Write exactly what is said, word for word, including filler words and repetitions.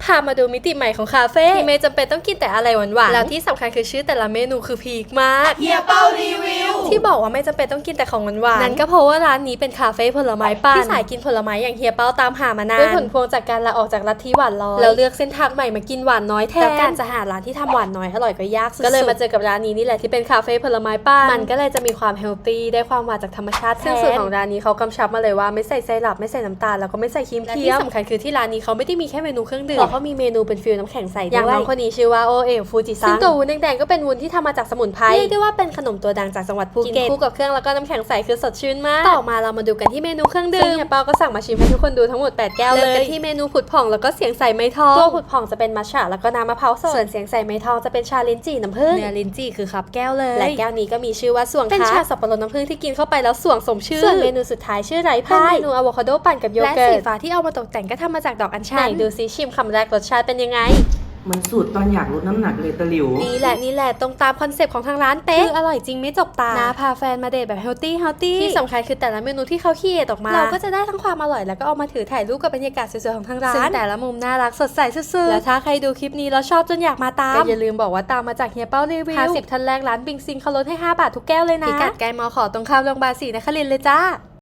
พามาดูมิติใหม่ของคาเฟ่ที่ไม่จำเป็นต้องกินแต่อะไรหวานๆแล้วที่สำคัญคือชื่อแต่ละเมนูคือพีคมากเฮียเป้ารีวิวที่บอกว่าไม่จำเป็นต้องกินแต่ของหวานๆนั่นก็เพราะว่าร้านนี้เป็นคาเฟ่ผลไม้ปั่นที่สายกินผลไม้อย่างเฮียเป้าตามหามานานด้วยผลพวงจากการลาออกจากลัทธิหวานน้อยแล้วเลือกเส้นทางใหม่มากินหวานน้อยแทนแล้วการจะหาร้านที่ทำหวานน้อยอร่อยก็ยากสุดๆก็เลยมาเจอกับร้านนี้นี่แหละที่เป็นคาเฟ่ผลไม้ปั่นมันก็เลยจะมีความเฮลตี้ได้ความหวานจากธรรมชาติซึ่งสูตรของร้านนี้เขากำชับมาเลยว่าไม่ใส่ไซรัปไม่ใส่น้ำตาลแล้วก็ไม่ใส่ครีมเทียมที่สำคัญคือที่ร้านนี้เขาไม่ได้มีแค่เมนูเครื่องดื่มเขามีเมนูเป็นฟิลน้ำแข็งใสด้วยอย่างน้องคนนี้ชื่อว่าโอเอ๋ฟูจิซังซึ่งตัววุ้นแดงๆก็เป็นวุ้นที่ทำมาจากสมุนไพรเรียกได้ว่าเป็นขนมตัวดังจากจังหวัดภูเก็ตกินคู่กับเครื่องแล้วก็น้ำแข็งใสคือสดชื่นมากต่อมาเรามาดูกันที่เมนูเครื่องดื่มซึ่งเฮียเปาก็สั่งมาชิมให้ทุกคนดูทั้งหมดแปดแก้วเลยเริ่มกันที่เมนูผุดผ่องแล้วก็เสียงใสไม้ทองตัวผุดผ่องจะเป็นมัทฉะแล้วก็น้ำมะพร้าวสดส่วนเสียงใสไม้ทองจะเป็นชาลิ้นจี่น้ำผึ้งเนื้อลิ้นจี่คือคับแก้วเลยและแก้วนี้ก็มีชื่อว่าส่วงเป็นชาสับปะรดน้ำผึ้งที่กินเข้าไปแล้วส่วงสมชื่อส่วนเมนูสุดท้ายชื่อไร้พายเมนูอะโวคาโดปั่นกับโยเกิร์ตและสีฟ้าที่เอามาตกแต่งก็ทำมาจากดอกอัญชันไหนดูซิชิมคำแรกรสชาติเป็นยังไงเหมือนสูตรตอนอยากลดน้ำหนักเลยตะหลิวนี่แหละนี่แหละตรงตามคอนเซปต์ของทางร้านเป๊ะคืออร่อยจริงไม่จกตานะพาแฟนมาเดทแบบเฮลตี้เฮลตี้ที่สำคัญคือแต่ละเมนูที่เขาคิดออกมาเราก็จะได้ทั้งความอร่อยแล้วก็เอามาถือถ่ายรูปกับบรรยากาศสวยๆของทางร้านซึ่งแต่ละมุมน่ารักสดใสสุดๆแล้วถ้าใครดูคลิปนี้แล้วชอบจนอยากมาตามก็อย่าลืมบอกว่าตามมาจากเฮียเป้ารีวิวห้าสิบท่านแรกร้านบิงซิงเขาลดให้ห้าบาททุกแก้วเลยนะพิกัดใกล้มอขอตรงข้ามโรงพยาบาลศรีนครินทร์เลยจ้า